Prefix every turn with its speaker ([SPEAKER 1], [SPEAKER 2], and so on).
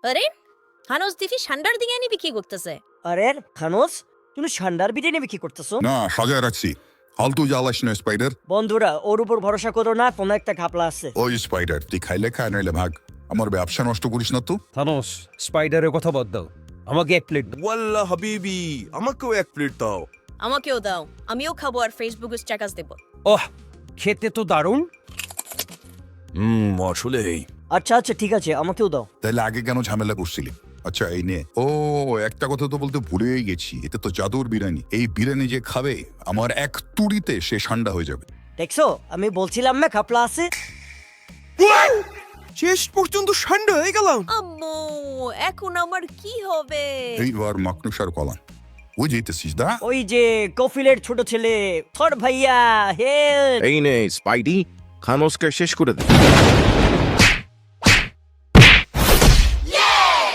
[SPEAKER 1] আরে হানস দিফি ঠান্ডার দিকে এনে বিক্রি করতেছে।
[SPEAKER 2] আরে খানোস, তুমি ঠান্ডার বিরিয়ানি বিক্রি করতেছো?
[SPEAKER 3] না সাজায় রাখছি। ফালতু জ্বালাস না স্পাইডার।
[SPEAKER 2] বন্ধুরা, ওর উপর ভরসা করো না, কোনো একটা ঘাপলা আছে।
[SPEAKER 3] ওই স্পাইডার তুই খাইলে খায় নাইলে ভাগ, আমার ব্যবসা নষ্ট করিস না তো।
[SPEAKER 4] থানোস, স্পাইডারের কথা বাদ দাও, আমাকে এক প্লেট দাও।
[SPEAKER 5] ওয়াল্লাহ হাবিবি, আমাকেও এক প্লেট দাও।
[SPEAKER 1] আমাকেও দাও, আমিও খাবো আর ফেসবুকে স্ট্যাটাস দেব।
[SPEAKER 4] ওহ, খেতে তো দারুণ।
[SPEAKER 5] আসলেই।
[SPEAKER 2] আচ্ছা আচ্ছা ঠিক আছে, আমাকেও দাও।
[SPEAKER 3] তাহলে আগে কেন ঝামেলা করছিলি? আচ্ছা এই নে। ও একটা কথা তো বলতে ভুলেই গেছি, এটা তো জাদুর বিরিয়ানি। এই বিরিয়ানি যে খাবে আমার এক তুড়িতে সে ঠান্ডা হয়ে যাবে।
[SPEAKER 2] দেখছো, আমি বলছিলাম না ঘাপলা আছে।
[SPEAKER 5] শেষ পর্যন্ত ঠান্ডা হয়ে গেলাম।
[SPEAKER 1] আম্মু, এখন আমার কি হবে?
[SPEAKER 3] এইবার মাকনুসার কলাম ওই যেতেছিস দা।
[SPEAKER 2] ওই যে কফিলের ছোট ছেলে থর ভাইয়া, হেল্প।
[SPEAKER 5] এই নে স্পাইডি, খানোসকে শেষ করে দে।